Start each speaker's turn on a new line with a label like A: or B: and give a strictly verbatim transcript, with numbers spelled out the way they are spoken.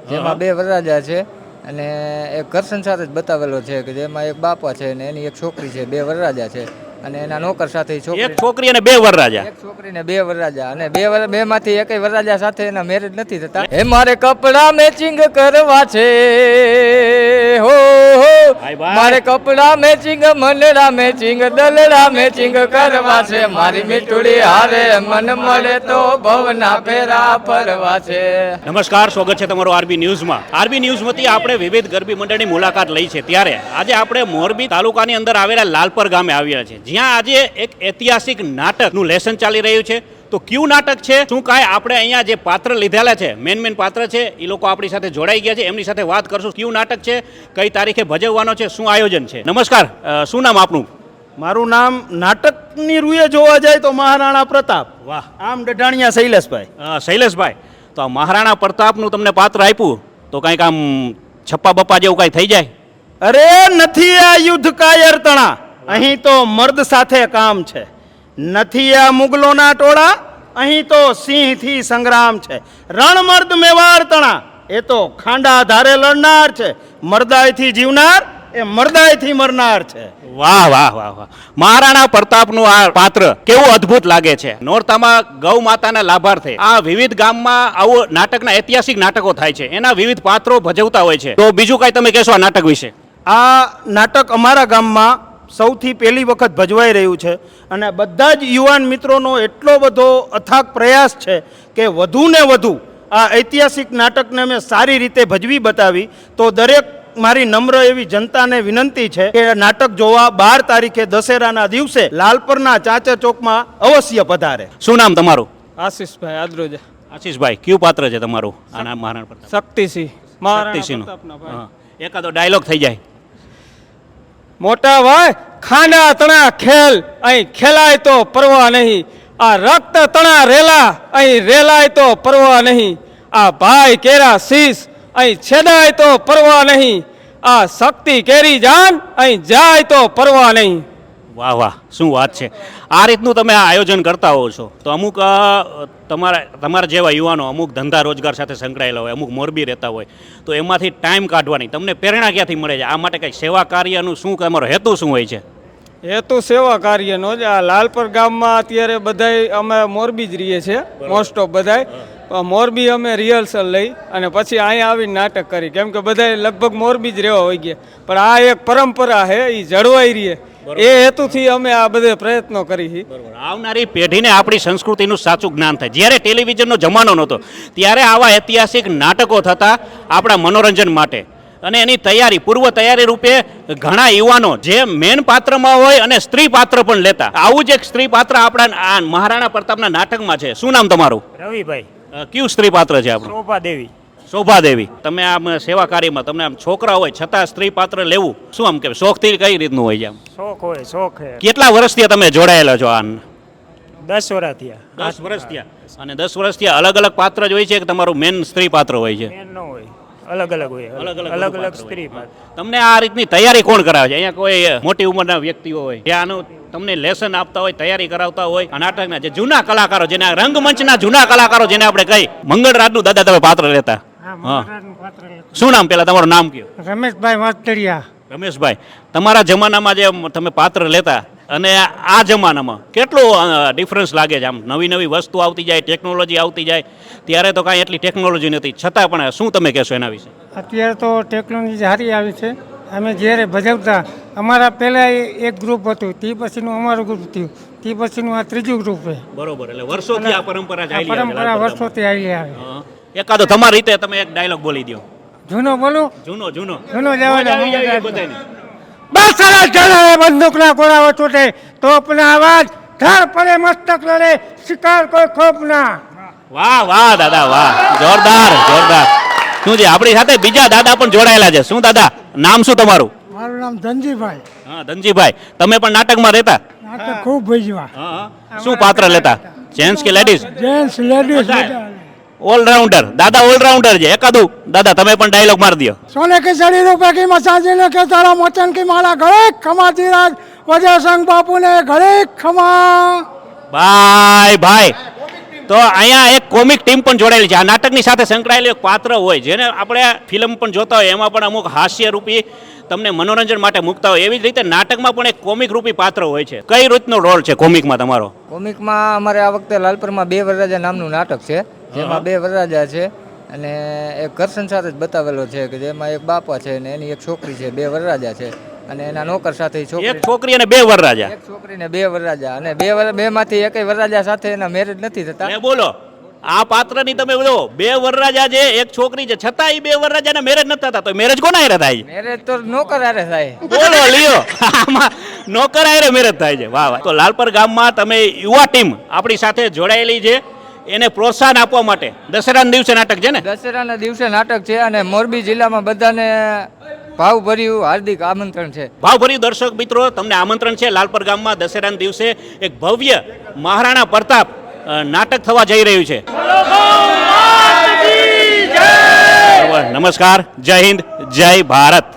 A: જેમાં બે વરરાજા છે અને એક ઘર સંસાર જ બતાવેલો છે કે જેમાં એક બાપા છે અને એની એક છોકરી છે, બે વરરાજા છે અને એના નોકર સાથે ઈ છોકરી
B: એક છોકરી અને બે વરરાજા.
A: એક છોકરી ને બે વરરાજા અને બે વર બે માંથી એકય વરરાજા સાથે એના મેરેજ નથી થતા. હે મારે કપડા મેચિંગ કરવા છે હો હો
B: ભાઈ ભાઈ.
A: મારે કપડા મેચિંગ મનડા મેચિંગ દલડા મેચિંગ કરવા છે મારી મીઠુડી હારે મન મળે તો ભવના ફેરા ફરવા છે.
B: નમસ્કાર, સ્વાગત છે તમારું આરબી ન્યૂઝમાં. આરબી ન્યૂઝમાંથી આપણે વિવિધ ગરબી મંડળની મુલાકાત લઈ છે. ત્યારે આજે આપણે મોરબી તાલુકાની અંદર આવેલા લાલપર ગામે આવ્યા છે, જ્યાં આજે એક ઐતિહાસિક નાટકનું લેસન ચાલી રહ્યું છે. તો કયું નાટક છે, શું કાંઈ આપણે અહીંયા જે પાત્ર લીધેલા છે, મેન મેન પાત્ર છે, એ લોકો આપણી સાથે જોડાઈ ગયા છે. એમની સાથે વાત કરશું. કયું નાટક છે, કઈ તારીખે ભજવવાનો છે, શું આયોજન છે. નમસ્કાર, અ, શું નામ આપનું?
C: મારું નામ નાટકની રૂએ જોવા જાય તો મહારાણા પ્રતાપ.
B: વાહ.
C: આમ ડઢાણિયા શૈલેષભાઈ.
B: અ, શૈલેષભાઈ, તો આ મહારાણા પ્રતાપનું તમને પાત્ર આપ્યું તો કાંઈક આમ છપ્પા બપ્પા જેવું કાંઈ થઈ જાય?
C: અરે નથી આ યુદ્ધ કાયર તણા, અહીં તો મર્દ સાથે કામ છે. નથી આ મુગલોના ટોળા, અહીં તો સિંહથી સંગ્રામ છે. રણમર્દ મેવાડ તણા, એ તો ખાંડા ધારે લડનાર છે. મરદાયથી જીવનાર, એ મરદાયથી મરનાર છે.
B: વાહ વાહ વાહ વાહ. મહારાણા પ્રતાપનું આ પાત્ર કેવું અદ્ભુત લાગે છે. નોરતામાં ગૌ માતાના લાભાર્થે આ વિવિધ ગામમાં આવું નાટકના ઐતિહાસિક નાટકો થાય છે, એના વિવિધ પાત્રો ભજવતા હોય છે. તો બીજું કાંઈ તમે કહેશો આ નાટક વિશે?
C: આ નાટક અમારા ગામમાં સૌથી પહેલી વખત ભજવાઈ રહ્યું છે અને બધા જ યુવાન મિત્રોનો એટલો બધો અથાગ પ્રયાસ છે કે વધુ ને વધુ આ ઐતિહાસિક નાટકને અમે સારી રીતે ભજવી બતાવી. તો દરેક મારી નમ્ર એવી જનતાને વિનંતી છે કે નાટક જોવા બાર તારીખે દશેરાના દિવસે લાલપરના ચાચા ચોકમાં અવશ્ય પધારે.
B: શું નામ તમારું?
D: આશીષભાઈ આદ્રોજા.
B: આશીષભાઈ, કયું પાત્ર છે તમારું આના મહારાણા પ્રતાપ?
D: શક્તિસિંહ. મહારાણા
B: શક્તિસિંહનું.
D: પ્રતાપના ભાઈ.
B: હા. એકાદો ડાયલોગ થઈ જાય.
D: મોટા ભાઈ, ખાંડા તણા ખેલ અહીં ખેલાય તો પરવા નહીં. આ રક્ત તણા રેલા અહીં રેલાય તો પરવા નહીં. આ ભાઈ કેરા શીશ અહીં છેદાય તો પરવા નહીં. આ શક્તિ કેરી જાન અહીં જાય તો પરવા નહીં.
B: વાહ વાહ, શું વાત છે. આ રીતનું તમે આ આયોજન કરતા હો છો તો અમુક અ, તમારા તમારા જેવા યુવાનો અમુક ધંધા રોજગાર સાથે સંકળાયેલા હોય, અમુક મોરબી રહેતા હોય, તો એમાંથી ટાઈમ કાઢવાની તમને પ્રેરણા ક્યાંથી મળે છે? આ માટે કંઈક સેવા કાર્યનું શું તમારો હેતુ શું હોય છે?
D: હેતુ સેવા કાર્યનો જ. આ લાલપર ગામમાં અત્યારે બધાય અમે મોરબી જ રહીએ છીએ, મોસ્ટ ઓફ બધાય. મોરબી અમે રિહર્સલ લઈ અને પછી અહીંયા આવીને નાટક કરી, કેમ કે બધાય લગભગ મોરબી જ રહેવા હોય ગયા. પણ આ એક પરંપરા છે, એ જળવાઈ રહીએ એ હેતુથી અમે આ બધે પ્રયત્નો કરી.
B: આવનારી પેઢીને આપણી સંસ્કૃતિનું સાચું જ્ઞાન થાય. જ્યારે ટેલિવિઝનનો જમાનો નહોતો ત્યારે આવા ઐતિહાસિક નાટકો થતા આપણા મનોરંજન માટે, અને એની તૈયારી પૂર્વ તૈયારી રૂપે ઘણા યુવાનો જે મેન પાત્રમાં હોય અને સ્ત્રી પાત્ર પણ લેતા. આવું જ એક સ્ત્રી પાત્ર આપણા આ મહારાણા પ્રતાપના નાટકમાં છે. શું નામ તમારું?
E: રવિભાઈ.
B: અ, કયું સ્ત્રી પાત્ર છે આપણું?
E: શોભા દેવી.
B: શોભાદેવી. તમે આમ સેવા કાર્યમાં તમને આમ છોકરા હોય છતાં સ્ત્રી પાત્ર લેવું શું આમ કે શોખથી કઈ રીતનું હોય છે? આમ
E: શોખ હોય, શોખ હે.
B: કેટલા વર્ષથી તમે જોડાયેલા છો? આ
E: દસ વર્ષ થયા.
B: દસ વર્ષ થયા. અને દસ વર્ષ થયા અલગ અલગ પાત્ર જ હોય છે કે તમારું મેન સ્ત્રી પાત્ર હોય છે?
E: મેન ન હોય, અલગ અલગ હોય.
B: અલગ અલગ
E: અલગ
B: પાત્ર
E: અલગ સ્ત્રી
B: હોય.
E: પાત્ર.
B: તમને આ રીતની તૈયારી કોણ કરાવે છે? અહીંયા કોઈ મોટી ઉંમરના વ્યક્તિઓ હોય જે આનું તમને લેસન આપતા હોય, તૈયારી કરાવતા હોય? આ નાટકના જે જૂના કલાકારો, જેને આ રંગમંચના જૂના કલાકારો જેને આપણે કહી, મંગળરાજનું દાદા તમે પાત્ર લેતા. હા. શું નામ પેલા તમારું નામ કયો?
E: રમેશભાઈ વાતડિયા.
B: રમેશભાઈ, તમારા જમાનામાં જે તમે પાત્ર લેતા અને આ જમાનામાં કેટલો ડિફરન્સ લાગે છે? આમ નવી નવી વસ્તુ આવતી જાય, ટેકનોલોજી આવતી જાય. ત્યારે તો કાંઈ એટલી ટેકનોલોજી નથી, છતાં પણ શું તમે કહેશો એના વિશે?
E: અત્યારે તો ટેકનોલોજી સારી આવી છે. અમે જ્યારે ભજવતા, અમારા પહેલાં એક ગ્રુપ હતું, તે પછીનું અમારું ગ્રુપ થયું, તે પછીનું આ ત્રીજું ગ્રુપ છે.
B: બરોબર. એટલે વર્ષોથી આ પરંપરા ચાલી
E: આ પરંપરા વર્ષોથી આવી આવે.
B: હા. એકાદો તમારી રીતે તમે એક ડાયલોગ બોલી દો.
E: જૂનો બોલું?
B: જૂનો જૂનો
E: જૂનો જવા દે.
B: આવી જાય બધાને.
E: બસ સરસ જણાવે બંદૂકના ગોળાઓ છૂટે, તોપના અવાજ ધાર પડે મસ્તક લડે, શિકાર કોઈ ખોપના.
B: વાહ વાહ દાદા વાહ, જોરદાર જોરદાર. શું છે આપણી સાથે બીજા દાદા પણ જોડાયેલા છે. શું દાદા, નામ શું તમારું?
E: મારું નામ ધનજીભાઈ.
B: હા ધનજીભાઈ, તમે પણ નાટકમાં રહેતા?
E: નાટક ખૂબ ભજવા.
B: હા હા. શું પાત્ર લેતા? જેન્ટ્સ કે લેડીઝ?
E: Gents ladies
B: allrounder. દાદા ઓલરાઉન્ડર છે. એકાદું દાદા તમે પણ ડાયલોગ મારી દો.
E: સોને की सड़ी रुपए की मसाजी ने के तारा मोचन की माला गले खमा धीराज वजय संग बापू ने गले खमा.
B: ભાઈ ભાઈ તો અહીંયા એક કોમિક ટીમ પણ જોડાયેલી છે. આ નાટકની સાથે સંકળાયેલું એક પાત્ર હોય જેને આપણે ફિલ્મ પણ જોતા હોય એમાં પણ અમુક હાસ્ય રૂપી તમને મનોરંજન માટે મૂકતા હોય એવી જ રીતે નાટકમાં પણ એક કોમિક રૂપી પાત્ર હોય છે. કઈ રીતનો રોલ છે કોમિકમાં તમારો?
A: કોમિકમાં અમારે આ વખતે લાલપરમાં બે વરરાજા નામનું નાટક છે, જેમાં બે વરરાજા છે અને એક ઘર સંસાર જ બતાવેલો છે કે જેમાં એક બાપા છે અને એની એક છોકરી છે, બે વરરાજા છે અને એના નોકર સાથે ઈ છોકરી
B: એક છોકરી અને બે વરરાજા.
A: એક છોકરી ને બે વરરાજા અને બે વર બે માંથી એકય વરરાજા સાથે એના મેરેજ નથી થતા.
B: એ બોલો આ પાત્રની તમે બોલો બે વરરાજા છે એક છોકરી છે છતાં એ બે વરરાજાના મેરેજ નથી થતા, તો મેરેજ કોના હારે થાય?
A: મેરેજ તો નોકર હારે થાય.
B: બોલો લ્યો આમાં નોકર હારે મેરેજ થાય છે. વાહ વાહ. તો લાલપર ગામમાં તમે યુવા ટીમ આપણી સાથે જોડાયેલી છે, એને પ્રોત્સાહન આપવા માટે દશેરાના દિવસે નાટક છે ને?
A: દશેરાના દિવસે નાટક છે અને મોરબી જિલ્લામાં બધાને ભાવભર્યું હાર્દિક આમંત્રણ છે.
B: ભાવભર્યું દર્શક મિત્રો તમને આમંત્રણ છે. લાલપર ગામમાં દશેરાના દિવસે એક ભવ્ય મહારાણા પ્રતાપ અ, નાટક થવા જઈ રહ્યું છે. નમસ્કાર, જય હિન્દ, જય ભારત.